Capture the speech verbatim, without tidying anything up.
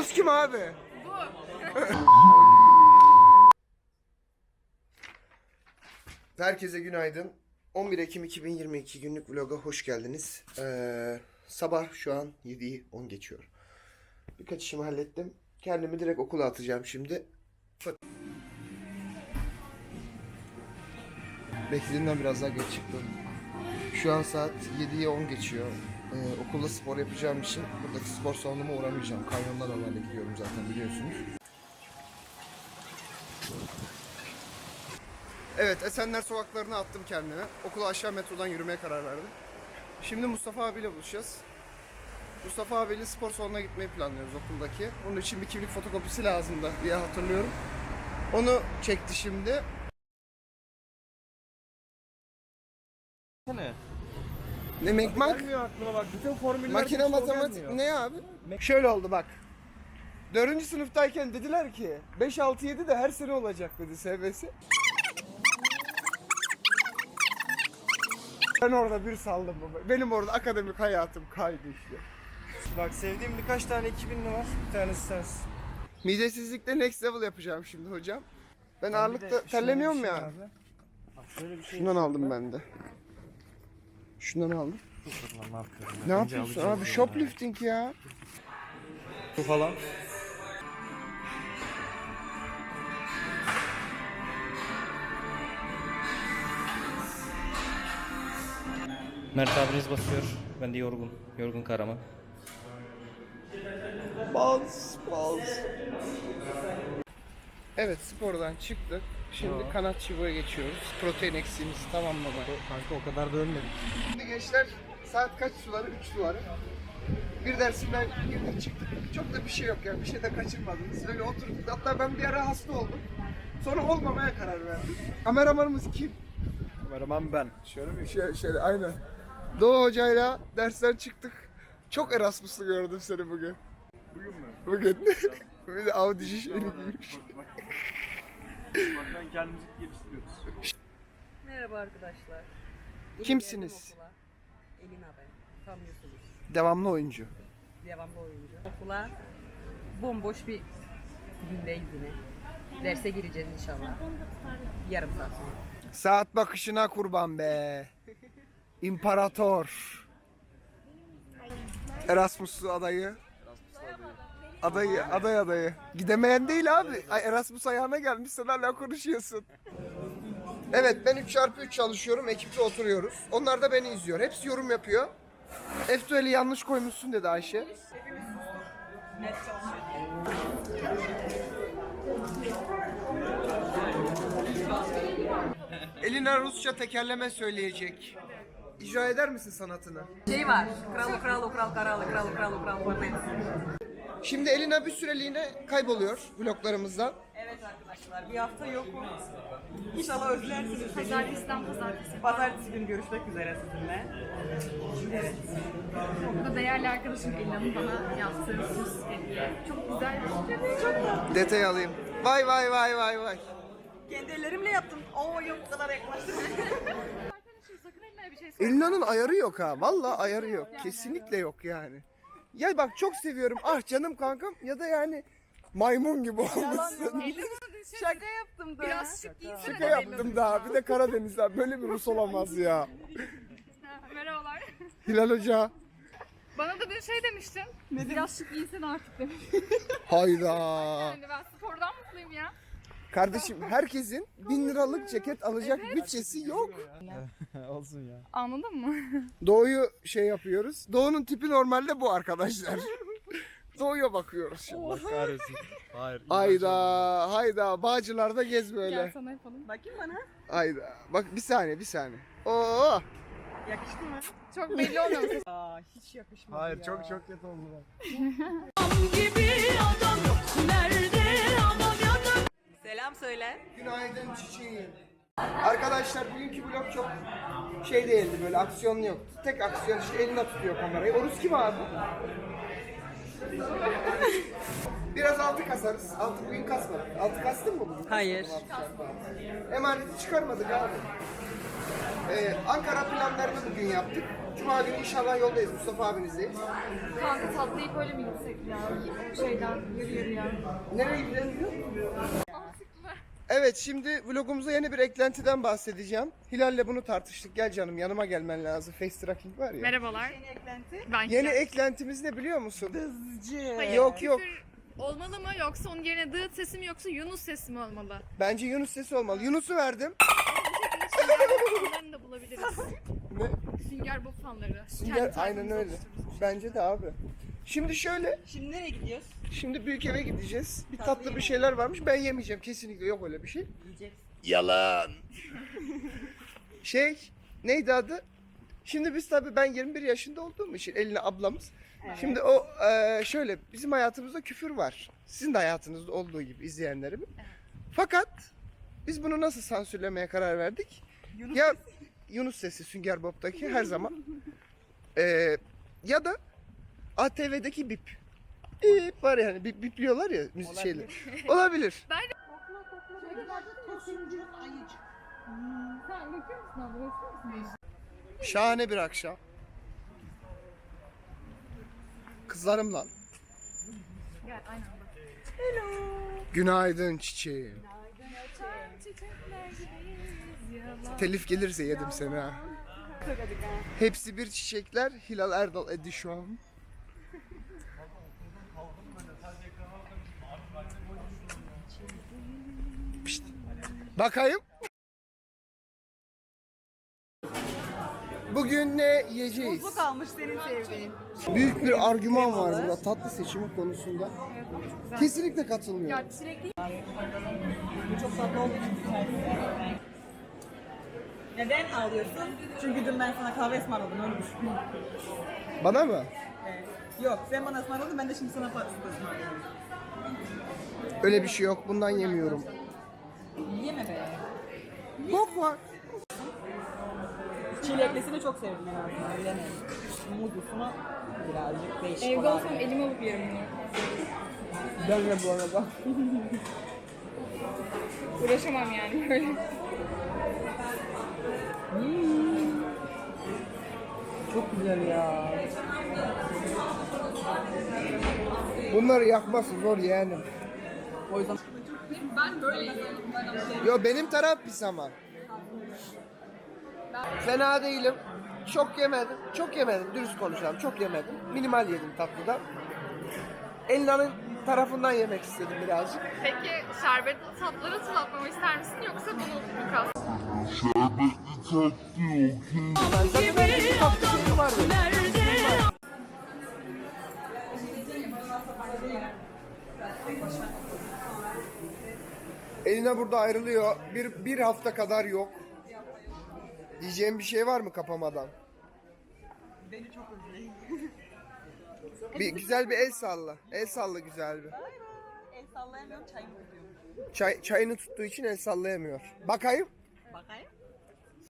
Oruz kim abi? Bu. Herkese günaydın. on bir Ekim iki bin yirmi iki günlük vloga hoş geldiniz. Ee, sabah şu an yediyi on geçiyor. Birkaç işimi hallettim. Kendimi direkt okula atacağım şimdi. Beklediğimden biraz daha geç çıktım. Şu an saat yediye on geçiyor. Ee, okulda spor yapacağım için buradaki spor salonuma uğramayacağım. Kanyonlar normalde gidiyorum zaten biliyorsunuz. Evet, Esenler sokaklarına attım kendimi. Okula aşağı metrodan yürümeye karar verdim. Şimdi Mustafa abiyle buluşacağız. Mustafa abiyle spor salonuna gitmeyi planlıyoruz okuldaki. Onun için bir kimlik fotokopisi lazımdı diye hatırlıyorum. Onu çekti şimdi. Ne? Ne mekmak? Gelmiyor aklıma bak. Bütün formüller Makine matematik ne abi? Şöyle oldu bak. Dördüncü sınıftayken dediler ki beş altı yedi de her sene olacak dedi S B S. Ben orada bir saldım baba. Benim orada akademik hayatım kaydı işte. Bak sevdiğim birkaç tane iki binli var. Bir tanesi sensin. Midesizlikte next level yapacağım şimdi hocam. Ben, Ben ağırlıkta bir de şöyle terlemiyorum bir şey ya. abi. Bak şöyle bir şey. Şundan aldım ben de. Şundan aldım. Dur lan, ne yapıyorum? Ne Önce yapıyorsun alacağım abi? ya. Shoplifting ya. Bu falan. Mert abiniz basıyor. Ben de yorgun. Yorgun Karaman. Baz, baz. Evet spordan çıktık. Şimdi kanat çubuğa geçiyoruz. Protein eksiğimizi tamamlamaya. Kanka o kadar da ölmedik. Şimdi gençler saat kaç suları? üç suları. Bir dersimden girdik çıktık. Çok da bir şey yok yani. Bir şey de kaçırmadınız. Böyle oturduk. Hatta ben bir ara hasta oldum. Sonra olmamaya karar verdim. Kameramanımız kim? Kameraman ben. Şöyle bir Şöyle, şöyle aynen. Doğu hocayla dersten çıktık. Çok Erasmus'lu gördüm seni bugün. bugün mü? Bugün. Bir de Audi şişeli giymiş. Baktan kendimizi geliştiriyoruz. Merhaba arkadaşlar. Yeni Kimsiniz? geldim okula. Elina ben. Tanıyorsunuz. Devamlı oyuncu. Devamlı oyuncu. Okula bomboş bir gündeyiz yine. Derse gireceğiz inşallah. Yarım saat sonra. Saat bakışına kurban be. İmparator. Erasmus'lu adayı. Adayı, aday adayı. Gidemeyen değil abi. Ay, Erasmus ayağına gelmiş sen hala konuşuyorsun. Evet ben üç çarpı üç çalışıyorum. Ekiple oturuyoruz. Onlar da beni izliyor. Hepsi yorum yapıyor. F-Duel'i yanlış koymuşsun dedi Ayşe. Net çalışıyor diye. Elina Rusça tekerleme söyleyecek. İcra eder misin sanatını? Şey var. Kral kral kral kral kral kral kral kral. Şimdi Elina bir süreliğine kayboluyor vloglarımızdan. Evet arkadaşlar bir hafta yok mu? İnşallah özlersiniz beni. Pazartesiden pazartesi. Pazartesi günü görüşmek üzere sizinle. Evet. Okulda değerli arkadaşım Elina'nın bana yaptığı süs hediye. Çok güzel. Çok Detay alayım. Vay vay vay vay vay. Kendi ellerimle yaptım. Oo yok bu kadar yaklaştım. Arkadaşım sakın Elina'ya bir şey söyle. Elina'nın ayarı yok ha. Vallahi ayarı yok. Kesinlikle yok yani. Ya bak çok seviyorum. Ah canım kankam ya da yani maymun gibi olmuşsun. Şaka yaptım da. Biraz şık giysene. Şaka yaptım daha. Bir de Karadeniz'den böyle bir Rus olamaz ya. Ha, merhabalar. Hilal Hoca. Bana da bir şey demiştin. Biraz şık giysene artık demiş. Hayda. Yani ben spordan mutluyum ya. Kardeşim herkesin bin liralık ceket alacak bütçesi yok. Olsun ya. Anladın mı? Doğu'yu şey yapıyoruz. Doğu'nun tipi normalde bu arkadaşlar. Doğu'ya bakıyoruz şimdi. Allah kahretsin. Hayır. Hayda, hayda. Bağcılar'da gez Gel böyle. sana yapalım. Bakayım bana. Hayda. Bak bir saniye, bir saniye. Oo. Yakıştı mı? Çok belli olmuyor mu? Aa hiç yakışmadı Hayır ya. çok çok kötü oldu bak. Selam söyle. Günaydın çiçeğim. Arkadaşlar bugünkü vlog çok şey değildi böyle aksiyonlu yok. Tek aksiyon işte elinde tutuyor kamerayı. Oruz kim abi? Biraz altı kasarız. Altı bugün kasmadık. Altı kastın mı bugün? Hayır. Emaneti çıkarmadık abi. Ee, Ankara planlarını bugün yaptık. Cuma günü inşallah yoldayız. Mustafa abinizdeyiz. Kanka tatlayıp öyle mi gitsek ya? O şeyden yürü yürü ya. Nereye gidelim biliyor musun? Evet, şimdi vlogumuza yeni bir eklentiden bahsedeceğim. Hilal'le bunu tartıştık. Gel canım, yanıma gelmen lazım. Face tracking var ya. Merhabalar. Yeni eklenti. Ben Yeni eklentimiz ne biliyor musun? Hızcı. Hayır, Yok, yok. küfür olmalı mı yoksa onun yerine dıt sesi mi yoksa Yunus sesi mi olmalı? Bence Yunus sesi olmalı. Yunus'u verdim. Sünger Bob fanlarını da bulabiliriz. Ne? Sünger Bob fanları. Sünger, Kendi aynen tarzımızı öyle. oluştururuz. Bence de abi. Şimdi şöyle, Şimdi nereye gidiyoruz? şimdi büyük eve gideceğiz. Bir tatlı bir şeyler varmış. Ben yemeyeceğim. Kesinlikle yok öyle bir şey. Yiyeceğiz. Yalan. Şey, neydi adı? Şimdi biz tabii ben yirmi bir yaşında olduğum için Eline ablamız. Şimdi o e, şöyle bizim hayatımızda küfür var. Sizin de hayatınızda olduğu gibi izleyenlerim. Fakat biz bunu nasıl sansürlemeye karar verdik? Yunus ya Yunus sesi Sünger Bob'taki her zaman. E, ya da A T V'deki bip. Bip var yani bip bipliyorlar ya müzik şeyler. Olabilir. Sen bakıyor musun abla? Bakıyor musun? Şahane bir akşam. Kızlarımla. Gel aynen bak. Günaydın çiçeğim. Çiçekler gibiyiz yalan. Telif gelirse yedim seni ha. Hepsi bir çiçekler. Hilal Erdal Edişon. Pişt. Bakayım. Bugün ne yiyeceğiz? Bu kalmış senin sevdiğin. Büyük bir argüman var burada tatlı seçimi konusunda. Kesinlikle katılmıyorum. Ya çilekli Bu çok tatlı olduğu için güzel. Neden ağlıyorsun? Çünkü dün ben sana kahve ısmarladım öyle düşün. Bana mı? Evet. Yok sen bana ısmarladın ben de şimdi sana patates ısmarlıyorum. Öyle bir şey yok. Bundan yemiyorum. Yeme be. Bok var. Çileklisini çok sevdim en azından bilemedim. Muzlusunu birazcık değişik evde olan. olsam elime alıp yerim bunu. Ben de bu arada. Uğraşamam yani böyle. Çok güzel ya. Bunları yakması zor yeğenim. O yüzden Ben böyle yiyorum. Yo benim taraf pis ama. Fena değilim. Çok yemedim. Çok yemedim. Dürüst konuşalım. Çok yemedim. Minimal yedim tatlıda. Elina'nın tarafından yemek istedim birazcık. Peki şerbetli tatları hatırlatmamı ister misin yoksa bunu mu kalsın? Zaten bir tatlı şeyi vardı. Elina burada ayrılıyor. Bir, bir hafta kadar yok. Diyeceğim bir şey var mı kapamadan? beni çok özleyin. Bir güzel bir el salla. El salla güzel bir. El sallayamıyorum çayımı tutuyorum. Çay, çayını tuttuğu için el sallayamıyor. Bakayım. Bakayım.